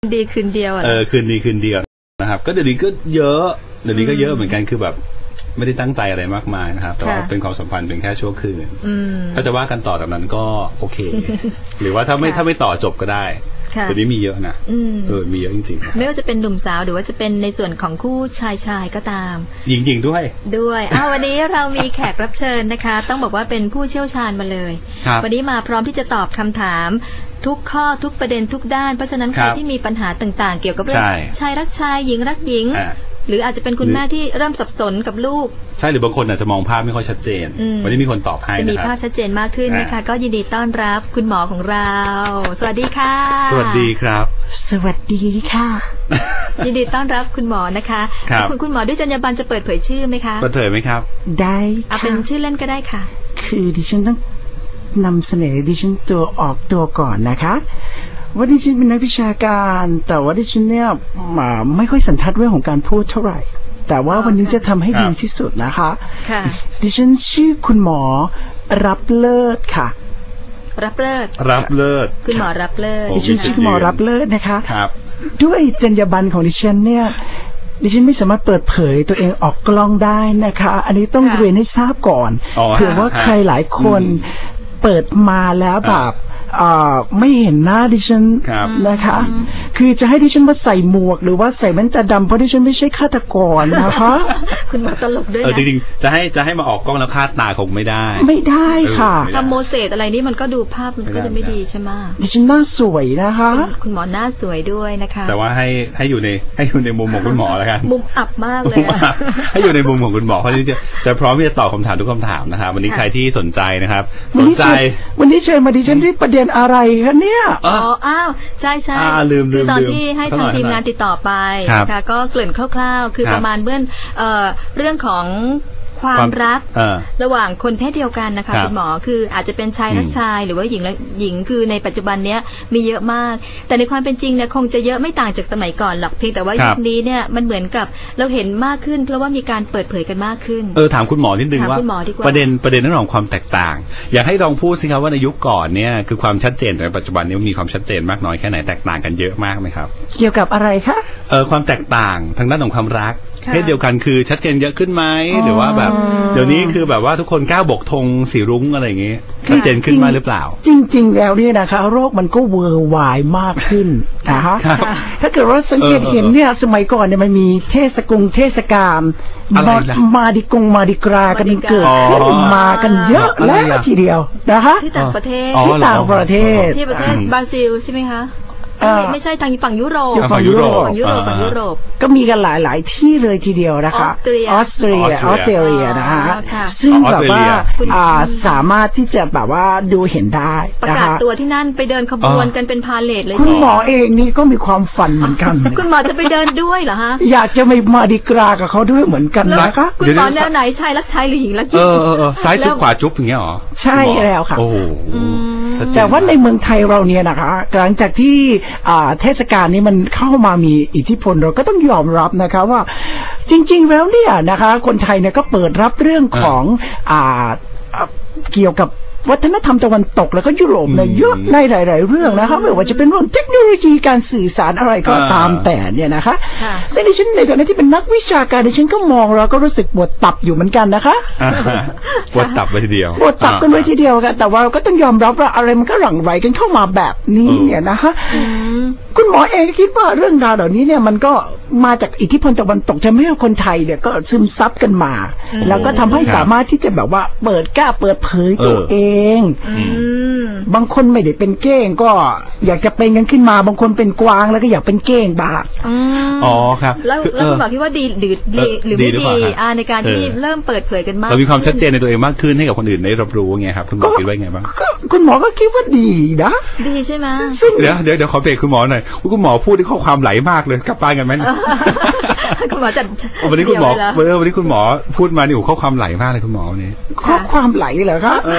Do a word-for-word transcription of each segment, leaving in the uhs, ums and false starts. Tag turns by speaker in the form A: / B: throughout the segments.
A: ดีคืนเดียวเอ
B: อคืนดีคืนเดียวนะครับก็เดี๋ยวนี้ก็เยอะเดี๋ยวนี้ก็เยอะเหมือนกันคือแบบไม่ได้ตั้งใจอะไรมากมายนะครับแต่ว่าเป็นความสัมพันธ์เป็นแค่ชั่วคืนถ้าจะว่ากันต่อจากนั้นก็โอเคหรือว่าถ้าไม่ถ้าไม่ต่อจบก็ได้เดี๋ยวนี้มีเยอะนะเออมีเยอะจริงๆ
A: ไม่ว่าจะเป็นหนุ่มสาวหรือว่าจะเป็นในส่วนของคู่ชายชายก็ตาม
B: หญิงหญิงด้วย
A: ด้วยอ้าววันนี้เรามีแขกรับเชิญนะคะต้องบอกว่าเป็นผู้เชี่ยวชาญมาเลยวันนี้มาพร้อมที่จะตอบคำถามทุกข้อทุกประเด็นทุกด้านเพราะฉะนั้นใครที่มีปัญหาต่างๆเกี่ยวกับเรื่องชายรักชายหญิงรักหญิงหรืออาจจะเป็นคุณแม่ที่เริ่มสับสนกับลูก
B: ใช่หรือบางคนอาจจะมองภาพไม่ค่อยชัดเจนวันนี้มีคนตอบให้
A: จะมีภาพชัดเจนมากขึ้นนะคะก็ยินดีต้อนรับคุณหมอของเราสวัสดีค่ะ
B: สวัสดีครับ
C: สวัสดีค่ะ
A: ยินดีต้อนรับคุณหมอนะคะคุณคุณหมอด้วยจรรยาบรรณจะเปิดเผยชื่อไหมคะ
B: เปิดเผยไหมครับ
C: ได้
A: ค่ะเป็นชื่อเล่นก็ได้ค่ะ
C: คือดิฉันต้องนำเสนอดิฉันตัวออกตัวก่อนนะคะว่าดิฉันเป็นนักวิชาการแต่ว่าดิฉันเนี่ยไม่ค่อยสันทัดเรื่องของการพูดเท่าไหร่แต่ว่าวันนี้จะทำให้ดีที่สุดนะคะดิฉันชื่อคุณหมอรับเลิศค่ะ
A: รับเลิศ
B: รับเลิศ
A: คุณหมอรับเลิศ
C: ดิฉันชื่อหมอรับเลิศนะคะ
B: ครับ
C: ด้วยจรรยาบรรณของดิฉันเนี่ยดิฉันไม่สามารถเปิดเผยตัวเองออกกล้องได้นะคะอันนี้ต้องเรียนให้ทราบก่อนเผื่อว่าใครหลายคนเปิดมาแล้วแบบไม่เห็นหน้าดิฉันนะคะคือจะให้ดิฉันมาใส่หมวกหรือว่าใส่แว่นตาดำเพราะดิฉันไม่ใช่ฆาตกรนะคะ
A: คุณหมอตลกด้วยนะ
B: จริงๆจะให้จะให้มาออกกล้องแล้วคาดตาคงไม่ได้
C: ไม่ได้ค่ะ
A: ทำโมเสสอะไรนี่มันก็ดูภาพมันก็จะไม่ดีใช่ไหม
C: ดิฉันหน้าสวยนะคะ
A: คุณหมอหน้าสวยด้วยนะคะ
B: แต่ว่าให้ให้อยู่ในให้อยู่ในมุมของคุณหมอแล้วกัน
A: มุมอับมากเลย
B: ให้อยู่ในมุมของคุณหมอเพราะที่จะจะพร้อมที่จะตอบคำถามทุกคำถามนะครับวันนี้ใครที่สนใจนะครับสนใจ
C: วันนี้เชิญมาดิฉันด้วยประเด็นอะไรคะเนี่ย
A: อ๋ออ้าวใช่ใช่คือตอนที่ให้ทางทีมงานติดต่อไปนะคะก็เกริ่นคร่าวๆคือประมาณเบื้องเรื่องของความรักระหว่างคนเพศเดียวกันนะคะคุณหมอคืออาจจะเป็นชายรักชายหรือว่าหญิงรักหญิงคือในปัจจุบันเนี้ยมีเยอะมากแต่ในความเป็นจริงเนี่ยคงจะเยอะไม่ต่างจากสมัยก่อนหรอกเพียงแต่ว่ายุคนี้เนี่ยมันเหมือนกับเราเห็นมากขึ้นเพราะว่ามีการเปิดเผยกันมากขึ้น
B: เออถามคุณหมอนิดนึงว่าประเด็นประเด็นเรื่องของความแตกต่างอยากให้ลองพูดสิครับว่าในยุคก่อนเนี่ยคือความชัดเจนในปัจจุบันนี้มีความชัดเจนมากน้อยแค่ไหนแตกต่างกันเยอะมากไหมครับ
C: เกี่ยวกับอะไรคะ
B: เออความแตกต่างทางด้านของความรักเพศเดียวกันคือชัดเจนเยอะขึ้นไหมหรือว่าแบบเดี๋ยวนี้คือแบบว่าทุกคนกล้าบกธงสีรุ้งอะไรอย่างเงี้ยชัดเจนขึ้นมาหรือเปล่า
C: จริงๆแล้วเนี่ยนะคะโรคมันก็เวอร์วายมากขึ้นนะคะถ้าเกิดว่าสังเกตเห็นเนี่ยสมัยก่อนเนี่ยมันมีเทศกงเทศกาลมาดิกงมาดิกรากันเกิดขึ้นมากันเยอะแล้วทีเดียวนะคะ
A: ที่ต่างประเทศ
C: ที่ต่างประเทศ
A: ที่ประเทศบราซิลใช่ไหมคะไม่ใช่ทางฝั่งยุโรป
C: ฝั่งยุโรป
A: ฝั่งยุโรปฝั่งยุโรป
C: ก็มีกันหลายๆที่เลยทีเดียวนะคะออสเตรียออสเตรียออสเตรเลียนะคะซึ่งแบบว่าสามารถที่จะแบบว่าดูเห็นได้
A: ประกาศตัวที่นั่นไปเดินขบวนกันเป็นพาเลทเลย
C: คุณหมอเองนี่ก็มีความฝันเหมือนกัน
A: คุณหมอจะไปเดินด้วยเหรอฮะ
C: อยากจะไปมาดิกรากับเขาด้วยเหมือนกันนะคะ
A: คุณหมอแนวไหนชายรักชายหรือหญิงรักหญิง
B: เออซ้ายจุ๊บขวาจุ๊บอย่างเงี้ยหรอ
C: ใช่แล้วค่ะ
B: โอ้
C: แต่ว่าในเมืองไทยเราเนี่ยนะคะหลังจากที่เทศกาลนี้มันเข้ามามีอิทธิพลเราก็ต้องยอมรับนะคะว่าจริงๆแล้วเนี่ยนะคะคนไทยเนี่ยก็เปิดรับเรื่องของอ่าเกี่ยวกับวัฒนธรรมตะวันตกแล้วก็ยุโรปเนี่ยเยอะในหลายๆเรื่องนะคะไม่ว่าจะเป็นเรื่องเทคโนโลยีการสื่อสารอะไรก็ตามแต่เนี่ยนะคะซึ่งดิฉันในฐานะที่เป็นนักวิชาการดิฉันก็มองแล้วก็รู้สึกปวดตับอยู่เหมือนกันนะคะ
B: ปวดตับไปทีเดียว
C: ปวดตับกันไว้ทีเดียวกันแต่ว่าเราก็ต้องยอมรับว่าอะไรมันก็หลั่งไหลกันเข้ามาแบบนี้เนี่ยนะคะคุณหมอเองคิดว่าเรื่องราวเหล่านี้เนี่ยมันก็มาจากอิทธิพลตะวันตกทำให้คนไทยเนี่ยก็ซึมซับกันมาแล้วก็ทำให้สามารถที่จะแบบว่าเปิดกล้าเปิดเผยตัวเองบางคนไม่ได้เป็นเก้งก็อยากจะเป็นกันขึ้นมาบางคนเป็นกวางแล้วก็อยากเป็นเก้งบ้าง
B: อ๋อครับ
A: แล้วแล้วคุณหมอคิดว่าดีหรือดีหรือไม่ดีในการที่เริ่มเปิดเผยกันมาก
B: เรามีความชัดเจนในตัวเองมากขึ้นให้กับคนอื่นได้รับรู้ไงครับคุณหมอคิดว่าไงบ้าง
C: คุณหมอก็คิดว่าดีนะ
A: ดีใช่ไหม
B: เดี๋ยวเดี๋ยวเดี๋ยวขอเบรกคุณหมอหน่อยคุณหมอพูดที่ข้อความไหลมากเลยกลับบ้านกันไหม
A: คุณหมอจัด
B: วันนี้คุณหมอวันนี้คุณหมอพูดมานี่โอ้ข้อความไหลมากเลยคุณหมอวันนี้
C: ข้อความไหลเหรอครับ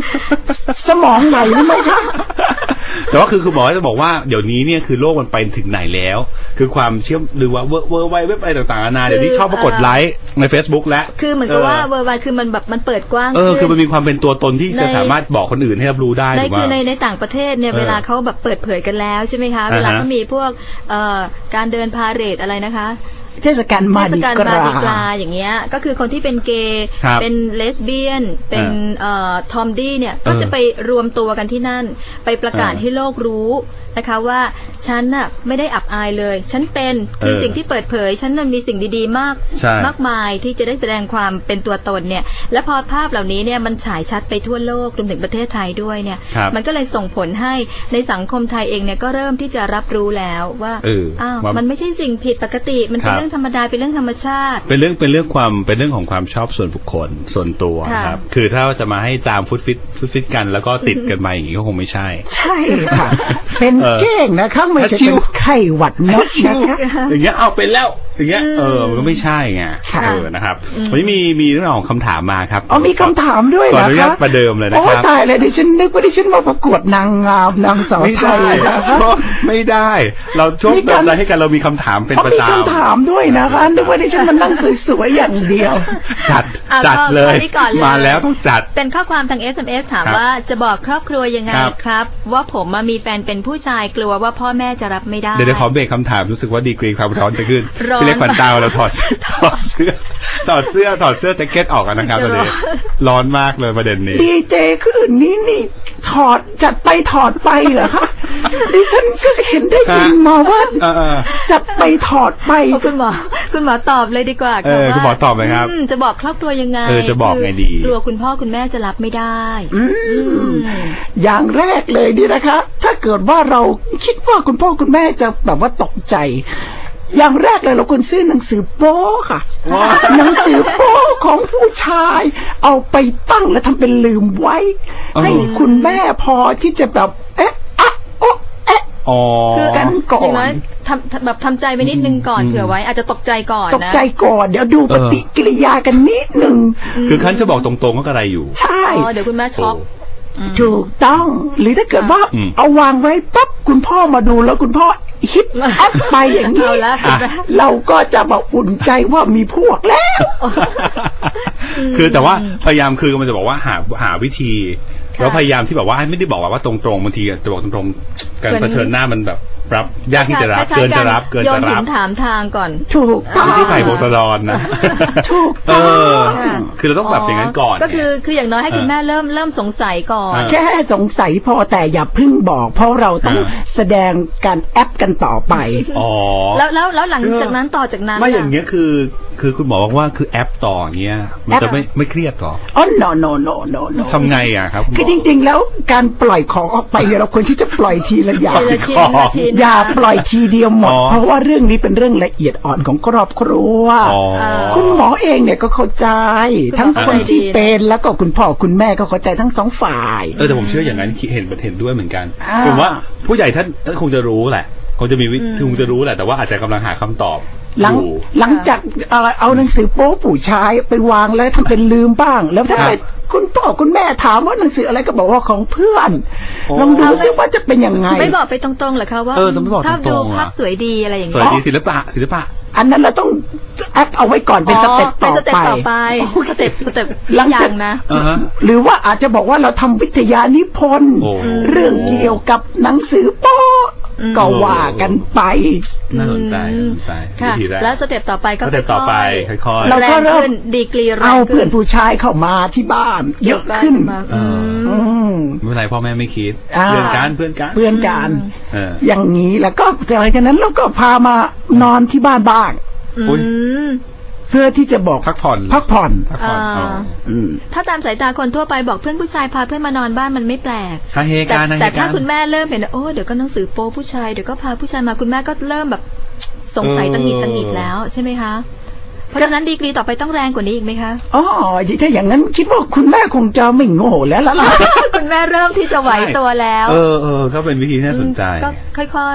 C: สมองไหลหรือไม่คะ
B: แต่ว่าคือคือหมอจะบอกว่าเดี๋ยวนี้เนี่ยคือโลกมันไปถึงไหนแล้วคือความเชื่อมหรือว่าเวอร์เวอร์ไวเว็บอะไรต่างๆนานาเดี๋ยวนี้ชอบมากดไลค์ใน Facebook แล้ว
A: คือเหมือนกับว่าเวอร์ไวคือมันแบบมันเปิดกว้าง
B: เออคือมันมีความเป็นตัวตนที่จะสามารถบอกคนอื่นให้รับรู้ได้
A: ในคือในในต่างประเทศเนี่ยเวลาเขาแบบเปิดเผยกันแล้วใช่ไหมคะเวลาเขามีพวกเอ่อการเดินพาเหรดอะไรนะคะ
C: เทศกาลมาดิกรา
A: กราอย่างเงี้ยก็คือคนที่เป็นเกย์เป็นเลสเบี้ยนเป็นเอ่อทอมดี้เนี่ยก็จะไปรวมตัวกันที่นั่นไปประกาศให้โลกรู้นะคะว่าฉันน่ะไม่ได้อับอายเลยฉันเป็นคือสิ่งที่เปิดเผยฉันมันมีสิ่งดีๆมากมากมายที่จะได้แสดงความเป็นตัวตนเนี่ยและพอภาพเหล่านี้เนี่ยมันฉายชัดไปทั่วโลกรวมถึงประเทศไทยด้วยเนี่ยมันก็เลยส่งผลให้ในสังคมไทยเองเนี่ยก็เริ่มที่จะรับรู้แล้วว่าอ้าวมันไม่ใช่สิ่งผิดปกติมันเป็นเรื่องธรรมดาเป็นเรื่องธรรมชาติ
B: เป็นเรื่องเป็นเรื่องความเป็นเรื่องของความชอบส่วนบุคคลส่วนตัวครับคือถ้าจะมาให้จามฟุตฟิตฟุตฟิตกันแล้วก็ติดกันมาอย่างนี้ก็คงไม่ใช่
C: ใช่ค่ะเป็นเก้งนะคะไม่ใช่เป็นไข้หวัดนกนะคะ
B: อย่างเงี้ยเอาเป็นแล้วอย่างเงี้ยเออมันก็ไม่ใช่ไงเออนะครับวันนี้มีมีเรื่องของคำถามมาครับ
C: อ๋อมีคำถามด้วยเหรอ
B: ครับประเดิมเลยนะครับโอ้
C: ตายเลยดิฉันนึกว่าดิฉันมาประกวดนางงามนางสาวไทย
B: นะครับไม่ได้เราช่วงเติมใจให้กันเรามีคำถามเป็นประจำ
C: มีคำถามด้วยนะคะนึกว่าดิฉันมันนั่งสวยๆอย่างเดียว
B: จัดจัดเลยมาแล้วต้องจัด
A: เป็นข้อความทาง เอส เอ็ม เอส ถามว่าจะบอกครอบครัวยังไงครับว่าผมมามีแฟนเป็นผู้ชายกลัวว่าพ่อแม่จะรับไม่ได้
B: เดี๋ยวขอเบรกคำถามรู้สึกว่าดีกรีความร้อนจะขึ้นพี่เล็กขวัญตาเราถอดถอดเสื้อถอดเสื้อถอดเสื้อแจ็คเก็ตออกกันนะครับตอนนี้ร้อนมากเลยประเด็นนี้
C: ดีเจคืนนี้นี่ถอดจัดไปถอดไปเหรอคะดิฉันก็เห็นได้ยินมาว่าจัดไปถอดไป
A: คุณหมอคุณหมอตอบเลยดีกว่า
B: ค่ะว่าคุณหมอตอบไหมครับ
A: จะบอกครอบครัวยังไง
B: เออจะบอกไงดี
A: กลัวคุณพ่อคุณแม่จะรับไม่ได้
C: อย่างแรกเลยดีนะคะถ้าเกิดว่าเราคิดว่าคุณพ่อคุณแม่จะแบบว่าตกใจอย่างแรกเลยเราควรซื้อหนังสือโป๊ค่ะหนังสือโป๊ของผู้ชายเอาไปตั้งและทำเป็นลืมไว้ให้คุณแม่พอที่จะแบบเอ๊ะอะโอ๊ะเอ๊ะ
A: คือ
C: กันก่อน
A: ทำแบบทำใจไปนิดนึงก่อนเผื่อไว้อาจจะตกใจก่อนนะ
C: ตกใจก่อนเดี๋ยวดูปฏิกิริยากันนิดนึง
B: คือขั้นจะบอกตรงๆก็กระไรอยู่
C: ใช่
A: เดี๋ยวคุณแม่ช็อก
C: ถูกต้องหรือถ้าเกิดว่าเอาวางไว้ปั๊บคุณพ่อมาดูแล้วคุณพ่อฮิตแอปไปอย่างนี้เราก็จะบอกอุ่นใจว่ามีพวกแล้ว
B: คือแต่ว่าพยายามคือมันจะบอกว่าหาหาวิธีแล้วพยายามที่แบบว่าไม่ได้บอกว่าตรงๆบางทีจะบอกตรงๆการเผชิญหน้ามันแบบรับยากที่จะรับเกินจะรับเกินจะรับ
A: ถามทางก่อน
C: ถูก
B: ไม่ใช่ไผ่โพสดอนนะ
C: ถูกต้อง
B: คือเราต้องแบบอย่างนั้นก่อน
A: ก็คือคืออย่างน้อยให้คุณแม่เริ่มเริ่มสงสัยก่อน
C: แค่สงสัยพอแต่อย่าพึ่งบอกเพราะเราต้องแสดงการแอปกันต่อไป
B: อ๋อ
A: แล้วแล้วแล้วหลังจากนั้นต่อจากนั้น
B: ไม่อย่างเงี้ยคือคือคุณหมอบอกว่าคือแอปต่อเงี้ยมันจะไม่ไม่เครียดหรอ
C: อ๋อ no no no no no
B: ทำไงอ่ะครับ
C: คือจริงๆแล้วการปล่อยของออกไปเราควรที่จะปล่อยทีละอย่างอย่าปล่อยทีเดียวหมดเพราะว่าเรื่องนี้เป็นเรื่องละเอียดอ่อนของครอบครัวคุณหมอเองเนี่ยก็เข้าใจทั้งคนที่เป็นแล้วก็คุณพ่อคุณแม่ก็เข้าใจทั้งสองฝ่าย
B: เออแต่ผมเชื่ออย่างนั้นเห็นเห็นด้วยเหมือนกันผมว่าผู้ใหญ่ท่านท่านคงจะรู้แหละคงจะมีคงจะรู้แหละแต่ว่าอาจจะกำลังหาคำตอบ
C: หลังหลังจากเอาหนังสือโป๊ผู้ชายไปวางแล้วทำเป็นลืมบ้างแล้วถ้าเกิดคุณพ่อคุณแม่ถามว่าหนังสืออะไรก็บอกว่าของเพื่อนลองดูซิว่าจะเป็นยังไง
A: ไม่บอกไปตรงๆหรอคะว่าชอบดูภาพสวยดีอะไรอย่างเงี้
B: ยสวยดีศิลปะศิลปะ
C: อันนั้นเราต้องแอปเอาไว้ก่อนเป็นสเต็ปต่อไป
A: สเต็ปสเต็ป
C: หลังจากนะหรือว่าอาจจะบอกว่าเราทำวิทยานิพนธ์เรื่องเกี่ยวกับหนังสือโป๊ก็ว่ากันไป
B: น่าสนใจน่าสนใจ
A: แล้วสเต็ปต่อไปก็
B: สเต็ปต่อไปค่อยๆ
C: เราก็เริ่ม
A: ดีกรี
C: เอาเพื่อนผู้ชายเข้ามาที่บ้านเยอะขึ้น
B: ไม่เป็นไรพ่อแม่ไม่คิดเพื่อนกันเพื่อนกัน
C: เพื่อนกันอย่างนี้แล้วก็หลังจากนั้นเราก็พามานอนที่บ้านบ้างเพื่อที่จะบอก
B: พักผ่อน
C: พักผ่อน
A: ถ้าตามสายตาคนทั่วไปบอกเพื่อนผู้ชายพาเพื่อนมานอนบ้านมันไม่แปลก
B: แต่
A: แต่ถ้าคุณแม่เริ่มเห็นโอ้เดี๋ยวก็หนังสือโป๊ผู้ชายเดี๋ยวก็พาผู้ชายมาคุณแม่ก็เริ่มแบบสงสัยตังหิดตังหิดแล้วใช่ไหมคะเพราะฉะนั้นดีกรีต่อไปต้องแรงกว่านี้อีกไหมคะ
C: อ๋อถ้าอย่างนั้นคิดว่าคุณแม่คงจะไม่โง่แล้วล่ะ
A: คุณแม่เริ่มที่จะไหวตัวแล้ว
B: เออเออก็เป็นวิธีที่น่าสนใจ
A: ก็ค่อยๆ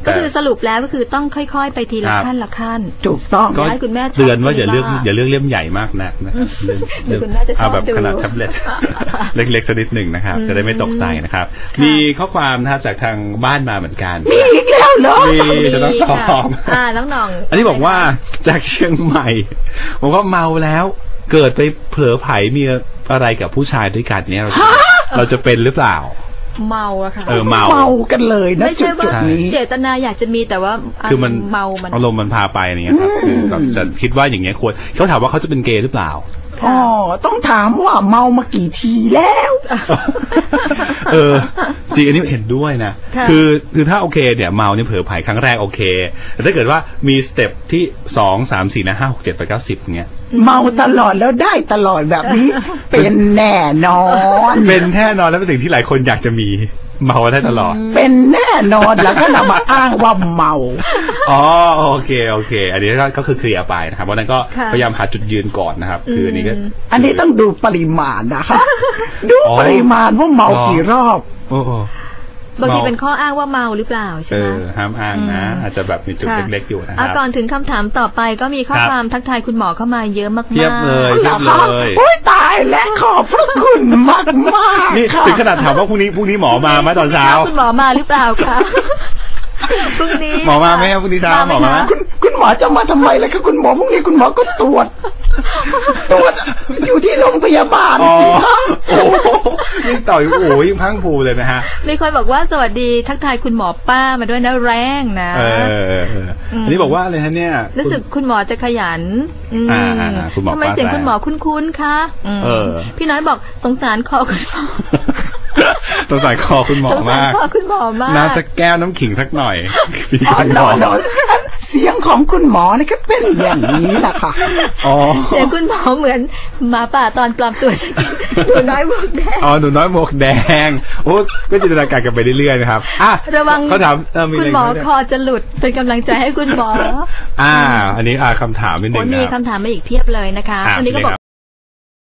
A: ก็คือสรุปแล้วก็คือต้องค่อยๆไปทีละขั้นละขั้น
C: ถูกต้อง
B: ก็
A: ให้คุณแม่
B: เตือนว่าอย่าเลือกอย่าเลือกเล่มใหญ่มากนักนะครับเอาแบบขนาดแท็บเล็ตเล็กๆสักนิดหนึ่งนะครับจะได้ไม่ตกใจนะครับมีข้อความนะครับจากทางบ้านมาเหมือนกัน
C: มีอีกแล้วเหรอ
B: มีจะต้องตอบ
A: อ่าน้องหน่อง
B: อันนี้บอกว่าจากเชียงใหม่บอกว่าเมาแล้วเกิดไปเผลอไผมีอะไรกับผู้ชายด้วยกันเนี่ยเราจะเป็นหรือเปล่า
A: เมาอะค่ะ
B: เออเมา
C: เมากันเลยนะ
A: ไม่ใช่ว่าเจตนาอยากจะมีแต่ว่า
B: คือมัน
A: เมามัน
B: อารมณ์มันพาไปอย่างเงี้ยครับคือแบบจะคิดว่าอย่างเงี้ยควรเขาถามว่าเขาจะเป็นเกย์หรือเปล่า
C: อ๋อต้องถามว่าเมามากี่ทีแล้ว
B: เออจริงอันนี้เห็นด้วยนะคือคือถ้าโอเคเนี่ยเมาเนี่ยเผลอไผครั้งแรกโอเคแต่ถ้าเกิดว่ามีสเต็ปที่สองสามสี่นะห้าหกเจ็ดแปดเก้าสิบเงี้ย
C: เมาตลอดแล้วได้ตลอดแบบนี้เป็นแน่นอน
B: เป็นแน่นอนแล้วเป็นสิ่งที่หลายคนอยากจะมีเมาได้ตลอด
C: เป็นแน่นอนแล้วก็นำมาอ้างว่าเมา
B: อ๋อโอเคโอเคอันนี้ก็คือเคลียร์ไปนะครับเพราะนั้นก็พยายามหาจุดยืนก่อนนะครับคืออันนี้ก็
C: อันนี้ต้องดูปริมาณนะคะดูปริมาณว่าเมากี่รอบ
B: โอ้
A: บางทีเป็นข้ออ้างว่าเมาหรือเปล่าใช่ไหม
B: เออห้ามอ้างนะอาจจะแบบมีจุดเล็กๆอยู่นะครับ
A: ก่อนถึงคำถามต่อไปก็มีข้อความทักทายคุณหมอเข้ามาเยอะมากๆ
B: เทียบเลยเทียบเลย
C: โอ้ยตายและขอบพระคุณมากมาก
B: นี่ถึงขนาดถามว่าพรุ่งนี้พรุ่งนี้หมอมาไหมตอนเช้า
A: คุณหมอมาหรือเปล่าคะพรุ่งนี้
B: หมอมาไหมครับพรุ่งนี้เช้าหมอมา
C: คุณคุณหมอจะมาทำไมล่ะคะคุณหมอพรุ่งนี้คุณหมอก็ตรวจตรวจอยู่ที่โรงพยาบาลสิคะ
B: โอ้ยิ่งต่อยโอ้ยิ่งพังผูเลยนะฮะ
A: มีคนบอกว่าสวัสดีทักทายคุณหมอป้ามาด้วยนะแรงนะ
B: เอออันนี้บอกว่าอะไรฮะเนี่ย
A: รู้สึกคุณหมอจะขยัน
B: อ่าคุณหมอ
A: ทำไมเสียงคุณหมอคุ้นๆคะพี่น้อยบอกสงสารคอคุณหมอ
B: สงสารคอคุณหมอมาก
A: คุณหมอมาก
B: น่าสักแก้วน้ำขิงสักหน่อย
C: พี่คุณหมอเสียงของคุณหมอนี่ก็เป็นอย่างนี้แหละค่ะ
A: เสียงคุณหมอเหมือนหมาป่าตอนปลอมตัวหนูน้อยหมวกแดง
B: อ๋อหนูน้อยหมวกแดงโอ้ก็จินตนาการกันไปเรื่อยๆนะครับอ่ะ
A: ระวัง
B: เขาถาม
A: คุณหมอคอจะหลุดเป็นกำลังใจให้คุณหมอ
B: อ่าอันนี้อ่าคำถามนิดนึงนะ
A: มีคำถามมาอีกเพียบเลยนะคะวันนี้ก็บอก